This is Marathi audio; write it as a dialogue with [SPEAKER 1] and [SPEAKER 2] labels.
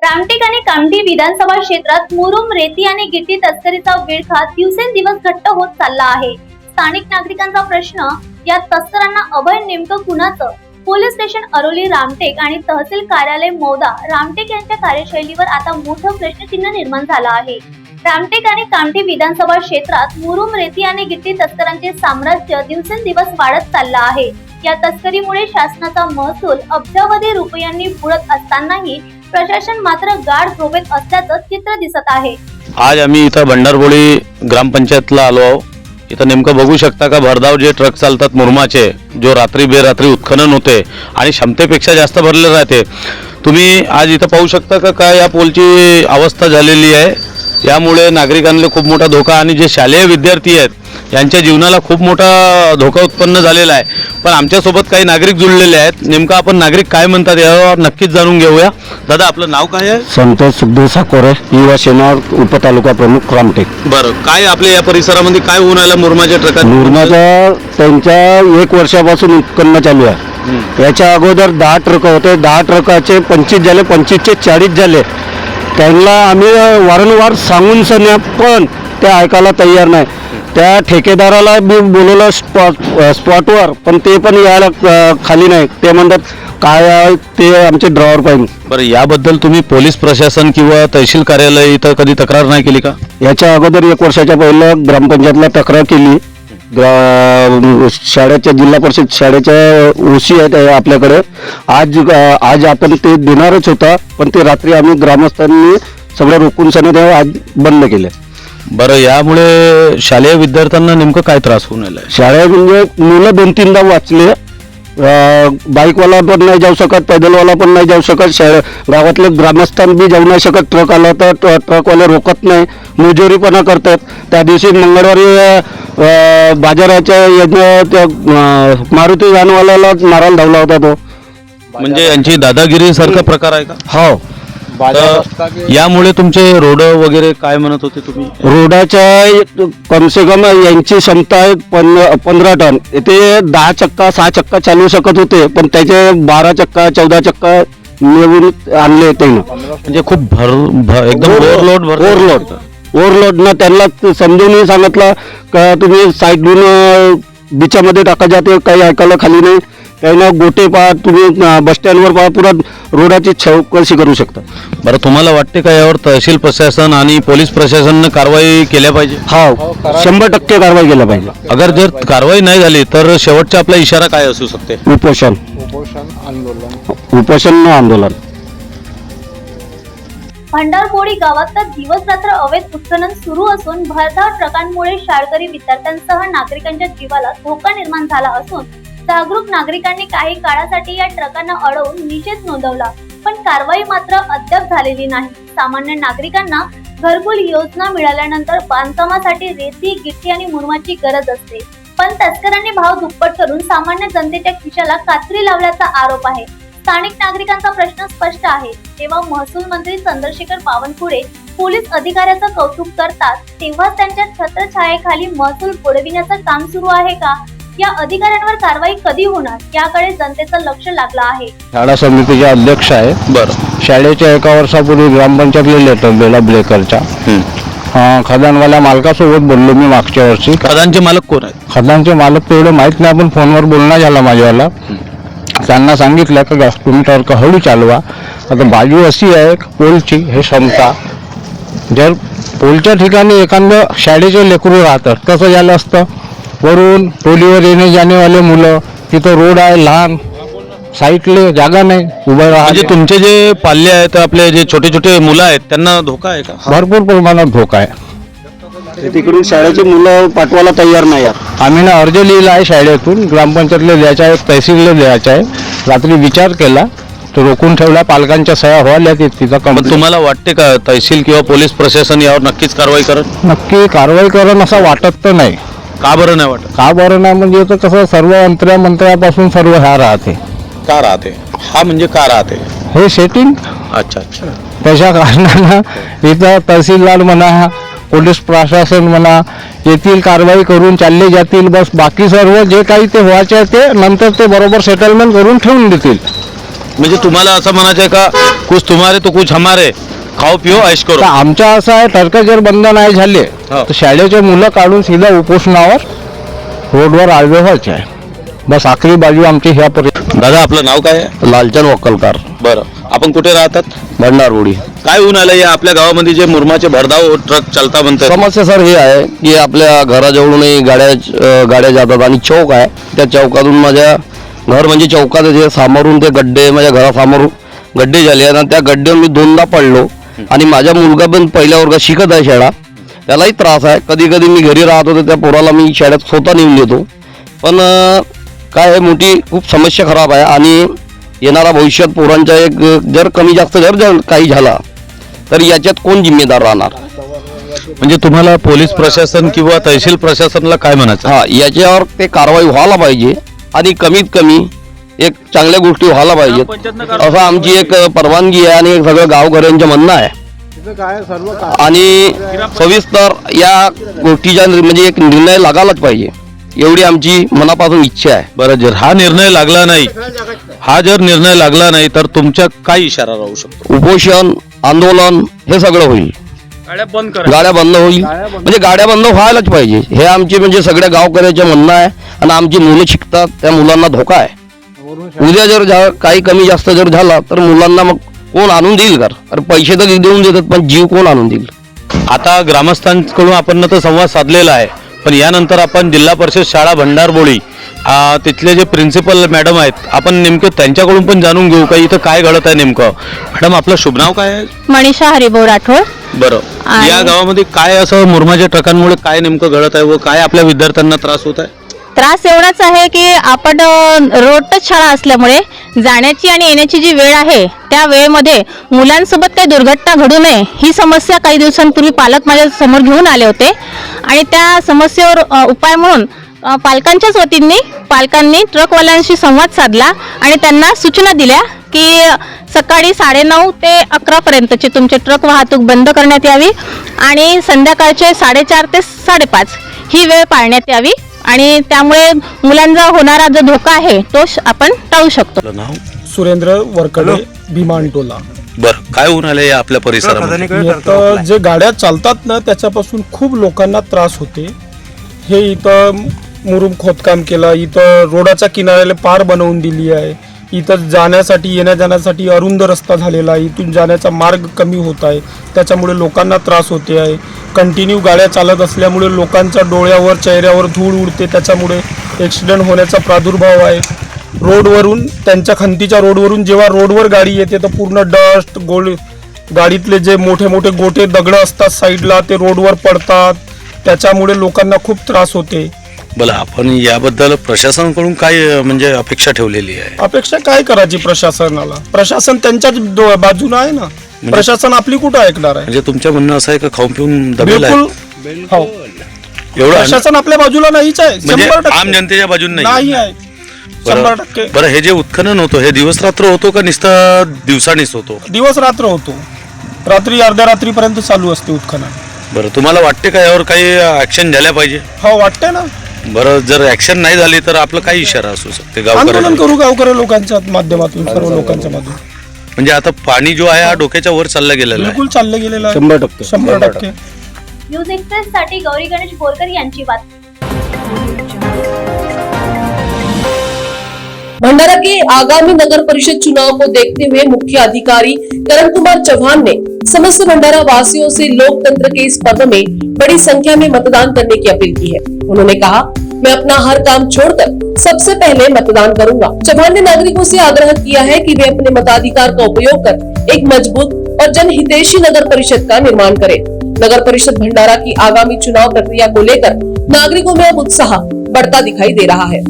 [SPEAKER 1] रामटेक आणि कामठी विधानसभा क्षेत्रात मुरुम, रेती आणि गिट्टी तस्करीचा विळखा दिवसेंदिवस घट्ट होत चालला आहे। स्थानिक नागरिकांचा प्रश्न, या तस्करांना अभय नेमकं कुणाचं? पोलीस स्टेशन अरोली रामटेक आणि तहसील कार्यालय मौदा रामटेक यांच्या कार्यशैलीवर आता मोठं प्रश्नचिन्ह निर्माण झालं आहे। रामटेक आणि कामठी विधानसभा क्षेत्रात मुरुम, रेती आणि गिट्टी तस्करांचे साम्राज्य दिवसेंदिवस वाढत चाललं आहे। या तस्करीमुळे शासनाचा महसूल अब्जावधी रुपयांनी बुडत असतानाही प्रशासन मात्र गाढ झोपेत असल्याचं चित्र दिसत आहे।
[SPEAKER 2] आज आम्ही इथं भंडारबोळी ग्रामपंचायतला आलो आहोत। इथं नेमकं बघू शकता का भरधाव जे ट्रक चालतात मुरमाचे, जो रात्री बेरात्री उत्खनन होते आणि क्षमतेपेक्षा जास्त भरले राहते। तुम्ही आज इथं पाहू शकता का काय या पोलची अवस्था झालेली आहे। यामुळे नागरिकांना खूप मोठा धोका आणि जे शालेय विद्यार्थी आहेत यांच्या जीवनाला खूप मोठा धोका उत्पन्न झालेला आहे। पण आमच्यासोबत काही नागरिक जुळलेले आहेत। नेमकं आपण नागरिक काय म्हणतात यावर नक्कीच जाणून घेऊया। दादा, आपलं नाव काय आहे?
[SPEAKER 3] संतोष सुखदेव साकोरे, युवा सेना उपतालुका प्रमुख रामटेक।
[SPEAKER 2] बरं, काय आपल्या या परिसरामध्ये काय होऊन राहिलं मुरमाच्या ट्रकात?
[SPEAKER 3] मुरमाच्या त्यांच्या 1 वर्षापासून उत्पन्न चालू आहे। याच्या अगोदर 10 ट्रक होते, 10 ट्रकाचे 25 झाले, 25चे 40 झाले। त्यांना आम्ही वारंवार सांगून सन्या पण ते ऐकायला तयार नाही। त्या ठेकेदाराला मी बोलवलं स्पॉटवर, पण ते पण यायला खाली नाही। ते म्हणतात काय आहे ते आमचे ड्रायव्हर पाहिजे।
[SPEAKER 2] बरं, याबद्दल तुम्ही पोलीस प्रशासन किंवा तहसील कार्यालय इथं कधी तक्रार नाही केली का?
[SPEAKER 3] याच्या अगोदर 1 वर्षाच्या पहिलं ग्रामपंचायतला तक्रार केली। शाळेच्या जिल्हा परिषद शाळेच्या ओसी आहेत आपल्याकडे। आज आपण ते देणारच होता, पण ते रात्री आम्ही ग्रामस्थांनी सगळं रोखून सने आज बंद केले।
[SPEAKER 2] बरं, यामुळे शालेय विद्यार्थ्यांना नेमकं काय त्रास होऊन राहिला?
[SPEAKER 3] शाळेत म्हणजे मुलं 2-3दा वाचले। बाईकवाला पण नाही जाऊ शकत, पैदलवाला पण नाही जाऊ शकत, गावातले ग्रामस्थान बी जाऊ नाही शकत। ट्रक आला तर ट्रकवाले रोकत नाही, मुजोरीपणा करतात। त्या दिवशी मंगळवारी बाजाराच्या मारुती व्हॅनवाल्याला मारायला धावला होता तो।
[SPEAKER 2] म्हणजे यांची दादागिरी सारखा प्रकार आहे का?
[SPEAKER 3] हो।
[SPEAKER 2] यामुळे तुमचे रोड वगैरे काय म्हणत होते तुम्ही?
[SPEAKER 3] रोडाच्या कम से कम यांची क्षमता आहे 15 टन। ते 10 चक्का 6 चक्का चालवू शकत होते, पण त्याचे 12 चक्का 14 चक्का मिळवून आणले त्यानं।
[SPEAKER 2] म्हणजे खूप एकदम
[SPEAKER 3] ओव्हरलोड ना। त्यांना समजून सांगितलं का तुम्ही साईडून बिचामध्ये टाका जाते, काही ऐकायला खाली नाही। त्यानं गोटे पहा, तुम्ही बस स्टँडवर पहा, पुरा रोडाची चौकशी करू शकता।
[SPEAKER 2] बरं, तुम्हाला वाटते का यावर तहसील प्रशासन आणि पोलीस प्रशासनाने कारवाई केल्या पाहिजे?
[SPEAKER 3] हो, 100% कारवाई केल्या पाहिजे।
[SPEAKER 2] अगर जर कारवाई नाही झाली तर शेवटचा आपला इशारा काय असू शकते?
[SPEAKER 3] उपोषण आंदोलन।
[SPEAKER 1] भंडारबोळी गावात तर दिवस रात्र अवैध उत्खनन सुरू असून भरधाव ट्रकांमुळे शाळकरी विद्यार्थ्यांसह नागरिकांच्या जीवाला धोका निर्माण झाला असून जागरूक नागरिकांनी काही काळासाठी या ट्रकांना अडवून निषेध नोंदवला, पण कारवाई मात्र अद्याप झालेली नाही। सामान्य नागरिकांना घरकुल योजना मिळाल्यानंतर बांधकामासाठी रेती, गिट्टी आणि मुरुमाची गरज असते, पण तस्करांनी भाव दुप्पट करून सामान्य जनतेच्या खिशाला कात्री लावल्याचा आरोप आहे। स्थानिक नागरिकांचा प्रश्न स्पष्ट आहे। तेव्हा महसूल मंत्री चंद्रशेखर बावनकुळे पोलीस अधिकाऱ्याचं कौतुक करतात, तेव्हा त्यांच्या छत्रछायेखाली महसूल बुडविण्याचं काम सुरू आहे का? या अधिकाऱ्यांवर कारवाई कधी होणार याकडे जनतेचं लक्ष लागलं आहे।
[SPEAKER 3] शाळा समितीचे अध्यक्ष आहे।
[SPEAKER 2] बरं,
[SPEAKER 3] शाळेच्या 1 वर्षापूर्वी ग्रामपंचायतला लेटर दिला ब्रेकरचा। खदानवाल्या मालकासोबत बोललो मी मागच्या वर्षी।
[SPEAKER 2] खदानचे मालक कोण आहेत?
[SPEAKER 3] खदानचे मालक तेवढं माहित नाही, पण फोनवर बोलणं झालं माझ्यावाला। त्यांना सांगितलं का तुम्ही ट्रक हळू चालवा। आता बाजू अशी आहे पोलची, हे क्षमता जर पोलच्या ठिकाणी एखादं शाळेचे लेकरू राहतात, कसं झालं असतं, वरून टोलीवर येणे जाणेवाले मुलं, तिथं रोड आहे लहान, साईडले जागा नाही उभं राहा।
[SPEAKER 2] म्हणजे तुमचे जे पाल्य आहेत, आपले जे छोटे छोटे मुलं आहेत, त्यांना धोका आहे का?
[SPEAKER 3] भरपूर प्रमाणात धोका आहे। तिकडून शाळेची मुलं पाठवायला तयार नाही आहेत। आम्ही ना अर्ज लिहिला आहे शाळेतून, ग्रामपंचायतला द्यायचा आहे, तहसीलला द्यायचा आहे। रात्री विचार केला तर रोखून ठेवला, पालकांच्या सह्या व्हायला तिथं।
[SPEAKER 2] तुम्हाला वाटते का तहसील किंवा पोलीस प्रशासन यावर नक्कीच कारवाई करत?
[SPEAKER 3] नक्की कारवाई करण असं वाटत तर नाही।
[SPEAKER 2] का बरं नाही वाटत?
[SPEAKER 3] का बरं नाही म्हणजे तर कसं सर्व मंत्र्यापासून सर्व ह्या राहते।
[SPEAKER 2] का राहते? हा म्हणजे का राहते?
[SPEAKER 3] हे सेटिंग।
[SPEAKER 2] अच्छा अच्छा।
[SPEAKER 3] त्याच्या कारणानं इथं तहसीलदार म्हणा, पोलीस प्रशासन म्हणा, येथील कारवाई करून चालले जातील। बस बाकी सर्व जे काही ते व्हायचे ते नंतर ते बरोबर सेटलमेंट करून ठेवून देतील।
[SPEAKER 2] म्हणजे तुम्हाला असं म्हणायचं आहे का, कुछ तुम्हारे तो कुछ हमारे, खाओ पिओ ऐश
[SPEAKER 3] तर
[SPEAKER 2] करो.
[SPEAKER 3] आमच्या असं आहे, टर्क जर बंद नाही झाले
[SPEAKER 2] हो.
[SPEAKER 3] तर शाळेचे मुलं काढून सीधा उपोषणावर रोडवर आडवे व्हायचे आहे. बस आखरी बाजू आमची ह्यापर्यंत.
[SPEAKER 2] दादा आपलं नाव काय आहे?
[SPEAKER 3] लालचंद वक्कलकार,
[SPEAKER 2] बरं, आपण कुठे राहतात?
[SPEAKER 3] भंडारबोडी.
[SPEAKER 2] काय होऊन आलं या आपल्या गावामध्ये जे मुरमाचे भरधाव ट्रक चालता म्हणतात?
[SPEAKER 3] समस्या सर हे आहे की आपल्या घराजवळूनही गाड्या जातात आणि चौक आहे, त्या चौकातून माझ्या घर म्हणजे चौकात जे समोरून ते गड्डे, माझ्या घरासमोर गड्डे झाले आणि त्या गड्ड्यावर मी दोनदा पडलो. आणि माझा मुलगा पण पहिल्या वर्गात शिकत आहे शाळा, त्यालाही त्रास आहे. कधी कधी मी घरी राहत होतो, त्या पोराला मी शाळेत स्वतः नेऊन देतो. पण काय आहे, मोठी खूप समस्या खराब आहे. आणि येणारा भविष्यात पोरांचा एक जर कमी जास्त जर काही झाला तर याच्यात कोण जिम्मेदार राहणार?
[SPEAKER 2] म्हणजे तुम्हाला पोलीस प्रशासन किंवा तहसील प्रशासनाला काय म्हणायचं?
[SPEAKER 3] हा, याच्यावर ते कारवाई व्हायला पाहिजे आणि कमीत कमी एक चांगल्या गोष्टी व्हायला पाहिजेत असं आमची एक परवानगी आहे आणि सगळं गावकऱ्यांचं म्हणणं आहे. आणि सविस्तर या गोष्टीचा म्हणजे एक निर्णय लागायलाच पाहिजे, एवढी आमची मनापासून इच्छा आहे.
[SPEAKER 2] बरं, जर हा निर्णय लागला नाही तर तुमच्या काय इशारा राहू शकतो?
[SPEAKER 3] उपोषण, आंदोलन हे सगळं होईल. गाड्या बंद होईल, म्हणजे गाड्या बंद व्हायलाच पाहिजे हे आमचे म्हणजे सगळ्या गावकऱ्याचे म्हणणं आहे. आणि आमची मुलं शिकतात, त्या मुलांना धोका आहे. उद्या जर काही कमी जास्त जर झाला तर मुलांना मग कोण आणून देईल का? अरे पैसे तर देऊन देतात, पण जीव कोण आणून देईल?
[SPEAKER 2] आता ग्रामस्थांकडून आपण तर संवाद साधलेला आहे, पण यानंतर आपण जिल्हा परिषद शाळा भंडारबोळी तिथले जे प्रिन्सिपल मॅडम आहेत, आपण नेमकं त्यांच्याकडून पण जाणून घेऊ का इथं काय घडत आहे नेमकं. मॅडम आपलं शुभ नाव काय आहे?
[SPEAKER 4] मनीषा हरिभाऊ राठोड.
[SPEAKER 2] बरं, या गावामध्ये काय असं मुरमाच्या ट्रकांमुळे काय नेमकं घडत आहे व काय आपल्या विद्यार्थ्यांना त्रास होत आहे?
[SPEAKER 4] त्रास एवढाच आहे की आपण रोड टच शाळा असल्यामुळे जाण्याची आणि येण्याची जी वेळ आहे त्या वेळेमध्ये मुलांसोबत काही दुर्घटना घडू नये ही समस्या काही दिवसांपूर्वी पालक माझ्या समोर घेऊन आले होते. आणि त्या समस्येवर उपाय म्हणून पालकांच्याच वतीने पालकांनी ट्रकवाल्यांशी संवाद साधला आणि त्यांना सूचना दिल्या की सकाळी 9:30 ते 11 पर्यंतची तुमची ट्रक वाहतूक बंद करण्यात यावी आणि संध्याकाळचे 4:30 ते 5:30 ही वेळ पाळण्यात यावी. आणि त्यामुळे मुलांचा होणारा जो धोका आहे तो आपण टाळू शकतो.
[SPEAKER 2] आपलं नाव?
[SPEAKER 5] सुरेंद्र वरकडे, भीमांटोला.
[SPEAKER 2] बरं, काय होऊन आलं या आपल्या परिसरामध्ये?
[SPEAKER 5] इथं जे गाड्या चालतात ना त्याच्यापासून खूप लोकांना त्रास होते. हे इथं मुरुम खोदकाम केलं, इथं रोडाच्या किनाऱ्याला पार बनवून दिली आहे. इथं जाण्यासाठी येण्या जाण्यासाठी अरुंद रस्ता झालेला आहे, इथून जाण्याचा मार्ग कमी होत आहे, त्याच्यामुळे लोकांना त्रास होते आहे. कंटिन्यू गाड्या चालत असल्यामुळे लोकांच्या डोळ्यावर चेहऱ्यावर धूळ उडते, त्याच्यामुळे ॲक्सिडेंट होण्याचा प्रादुर्भाव आहे. रोडवरून त्यांच्या खंतीच्या रोडवरून जेव्हा रोडवर गाडी येते तर पूर्ण डस्ट गाडीतले जे मोठे मोठे गोटे दगड असतात साईडला ते रोडवर पडतात, त्याच्यामुळे लोकांना खूप त्रास होते.
[SPEAKER 2] बोला, आपण याबद्दल प्रशासनाकडून काय म्हणजे अपेक्षा ठेवलेली आहे?
[SPEAKER 5] अपेक्षा काय करायची प्रशासनाला? प्रशासन त्यांच्याच बाजूला आहे ना, प्रशासन आपली कुठं ऐकणार आहे?
[SPEAKER 2] म्हणजे तुमचं म्हणणं असं आहे का खाऊन पिऊन दबेल आहे?
[SPEAKER 5] बिलकुल हो,
[SPEAKER 2] एवढं
[SPEAKER 5] प्रशासन आपल्या बाजूला नाहीच आहे,
[SPEAKER 2] म्हणजे
[SPEAKER 5] 100%
[SPEAKER 2] आम जनतेच्या बाजून
[SPEAKER 5] नाही आहे, 100%.
[SPEAKER 2] बरं, हे जे उत्खनन होतं हे दिवस रात्र होतो का नुसतं दिवसानीच होतो?
[SPEAKER 5] दिवस रात्र होतो, रात्री अर्ध्या रात्रीपर्यंत चालू असते उत्खनन.
[SPEAKER 2] बरं, तुम्हाला वाटते का यावर काही ऍक्शन झाल्या पाहिजे?
[SPEAKER 5] हो वाटते ना.
[SPEAKER 2] बरं, जर ऍक्शन नाही झाली तर आपलं काय इशारा असू शकते
[SPEAKER 5] आंदोलन
[SPEAKER 2] गावकऱ्यांना?
[SPEAKER 5] करू गावकरी लोकांच्या माध्यमातून, सर्व लोकांच्या माध्यमातून.
[SPEAKER 2] म्हणजे आता पाणी जो आहे हा डोक्याच्या वर चालला गेलेला आहे.
[SPEAKER 5] बिलकुल चालले गेलेलं आहे,
[SPEAKER 3] 100%.
[SPEAKER 5] 100%.
[SPEAKER 1] न्यूज एक्सप्रेस साठी गौरी गणेश बोरकर यांची बातमी.
[SPEAKER 6] भंडारा के आगामी नगर परिषद चुनाव को देखते हुए मुख्य अधिकारी करण कुमार चौहान ने समस्त भंडारा वासियों से लोकतंत्र के इस पर्व में बड़ी संख्या में मतदान करने की अपील की है। उन्होंने कहा, मैं अपना हर काम छोड़कर सबसे पहले मतदान करूंगा। चौहान ने नागरिकों से आग्रह किया है कि वे अपने मताधिकार का उपयोग कर एक मजबूत और जनहितैषी नगर परिषद का निर्माण करें। नगर परिषद भंडारा की आगामी चुनाव प्रक्रिया को लेकर नागरिकों में अब उत्साह बढ़ता दिखाई दे रहा है।